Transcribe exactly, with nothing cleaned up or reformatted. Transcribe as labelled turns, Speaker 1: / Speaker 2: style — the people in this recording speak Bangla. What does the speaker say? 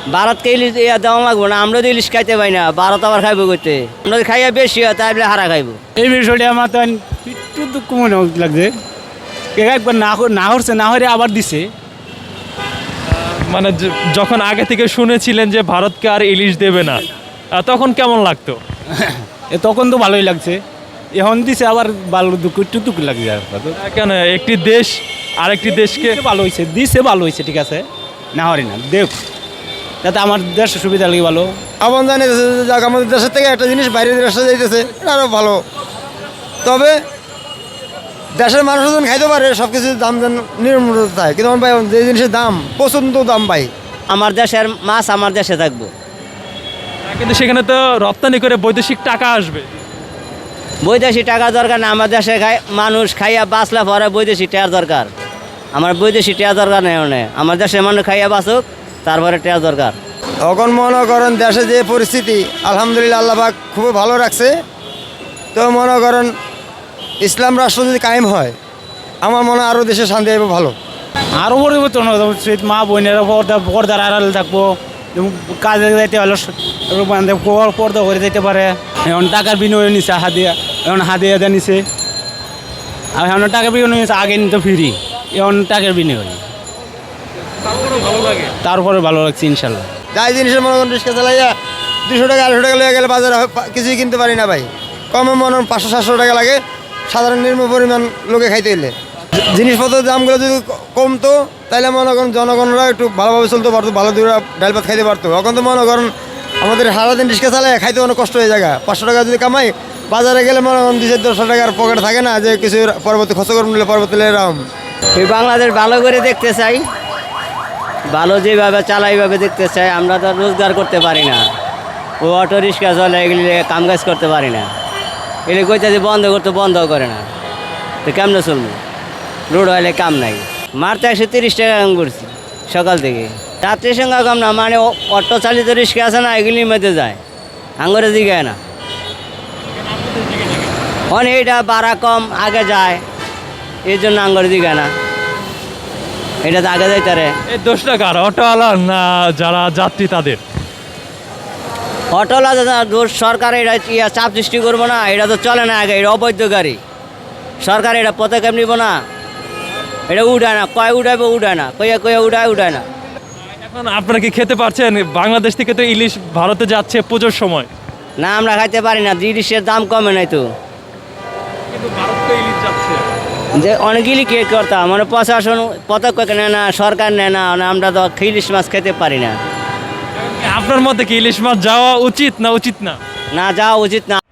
Speaker 1: ভারতকে ইলিশ ইয়া দেওয়া লাগবো না, আমরা তো ইলিশ খাইতে পাই না, ভারত আবার খাইবো করতে, আমরা খাইয়া বেশি হয় তাই বলে হারা খাইবো।
Speaker 2: এই বিষয়টা আমার তো একটু দুঃখ মনে লাগছে, একবার না না হচ্ছে না হলে আবার দিছে।
Speaker 3: মানে য- যখন আগে থেকে শুনেছিলেন যে ভারতকে আর ইলিশ দেবে না, আহ, তখন কেমন লাগতো?
Speaker 2: এ তখন তো ভালোই লাগছে, এখন দিছে আবার ভালো দুঃখ একটু দুঃখ লাগছে। আর কত
Speaker 3: আহ, কেন একটি দেশ আরেকটি দেশকে
Speaker 2: দিছে ভালো হয়েছে, দিছে ভালো হয়েছে, ঠিক আছে, না হরি না দেখ, যাতে আমার দেশের সুবিধা লাগে ভালো।
Speaker 4: আহ্বান জানিয়েছে যে যাক আমাদের দেশের থেকে একটা জিনিস বাইরের দেশে যাইতেছে, এটা আরও ভালো। তবে দেশের মানুষ যখন খাইতে পারে সব কিছুর দাম যেন নির্মূল থাকে, কিন্তু আমার ভাই যে জিনিসের দাম প্রচণ্ড দাম ভাই।
Speaker 1: আমার দেশের মাছ আমার দেশে থাকবো।
Speaker 3: আহ, কিন্তু সেখানে তো রপ্তানি করে বৈদেশিক টাকা আসবে।
Speaker 1: বৈদেশিক টাকা দরকার না, আমার দেশে খাই মানুষ খাইয়া বাঁচলে পরে বৈদেশিক টাকার দরকার। আমার বৈদেশিক টাকা দরকার নেই, মানে আমার দেশের মানুষ খাইয়া বাঁচুক, তারপরে টাকা দরকার।
Speaker 4: এখন মনে করেন দেশে যে পরিস্থিতি আলহামদুলিল্লাহ আল্লাহ পাক খুবই ভালো রাখছে। তো মনে করেন ইসলাম রাষ্ট্র যদি কায়েম হয় আমার মনে হয় আরও দেশে শান্তি হবে ভালো।
Speaker 2: আরও পরিবর্তন হতে হবে, মা বোনেরা পর্দা পর্দার আড়াল থাকবো, এবং কাজে যাইতে হলে পর্দা করে যেতে পারে। এখন টাকার বিনিময় নিছে হাদিয়া, এখন হাদিয়া দেওয়া নিছে, আর এখন টাকার বিনিময় নিছে, আগে নিতে ফ্রি, এখন টাকার বিনিময়, তারপরে ভালো লাগছে ইনশাল্লাহ।
Speaker 4: যাই জিনিসের মনে করেন রিক্সা চালাইয়া দুশো টাকা আড়াইশো টাকা লেগে গেলে বাজারে হয় পা- কিছুই কিনতে পারি না ভাই। কমে মনে করেন পাঁচশো সাতশো টাকা লাগে সাধারণ নিম্ন পরিমাণ লোকে খাইতে হইলে। জি- জিনিসপত্রের দামগুলো যদি ক- কমতো তাহলে মনে করেন জনগণরা একটু ভালোভাবে চলতে পারতো, ভালো দূরে ডাল ভাত খাইতে পারতো। এখন তো মনে করেন আমাদের সারাদিন রিক্সা চালায় খাইতে অনেক কষ্ট হয়ে যায়। পাঁচশো টাকা যদি কামাই বাজারে গেলে মনে করেন দুশো দশশো টাকার পকেট থাকে না, যে কিছু পরবর্তী খরচ করে নিলে পরবর্তী এরকম।
Speaker 1: এই বাংলাদেশ ভালো করে দেখতে চাই, ভালো যেভাবে চালাই এইভাবে দেখতে চাই। আমরা তো রোজগার করতে পারি না, ও অটো রিক্সা চলে, এগুলি কাম কাজ করতে পারি না, এগুলি কইতে যে বন্ধ করতে বন্ধ করে না, তো কেমনে চলবো? রোড হলে কাম নাই। মারতে একশো তিরিশ টাকা কাম করছি সকাল থেকে, রাত্রির সঙ্গে কম না, মানে ও- অটো চালিত রিক্সা আছে না, এগুলির মধ্যে যায়, আঙ্গরে দিঘায় না। অনেক এইটা ভাড়া কম, আগে যায়, এই জন্য আঙ্গরে দিঘায় না, এটা তো আগে যাইতে রে।
Speaker 3: এই দোষটা কার, অটোওয়ালা না যারা যাত্রী তাদের?
Speaker 1: অটোলা দোষ সরকার, এটা ইয়া চাপ সৃষ্টি করবো না, এটা তো চলে না আগে, এটা অবৈধ গাড়ি, সরকার এটা পদক্ষেপ নিব না, এটা উঠায় না, কয় উঠাইবো উঠায় না, কইয়া কইয়া উঠায় উঠায় না।
Speaker 3: এখন আপনারা কি খেতে পারছেন? বাংলাদেশ থেকে তো ইলিশ ভারতে যাচ্ছে পুজোর সময়,
Speaker 1: না আমরা খাইতে পারি না, জিনিসের দাম কমে নাই তো,
Speaker 3: কিন্তু ভারত তো ইলিশ যাচ্ছে।
Speaker 1: যে অনেকগুলি কে করতাম, মানে প্রশাসন পদক্ষেপ নেয় না, সরকার নেয় না, মানে আমরা তো ইলিশ মাছ খেতে পারি না।
Speaker 3: আপনার মতে কি ইলিশ মাছ যাওয়া উচিত না উচিত না?
Speaker 1: না যাওয়া উচিত না।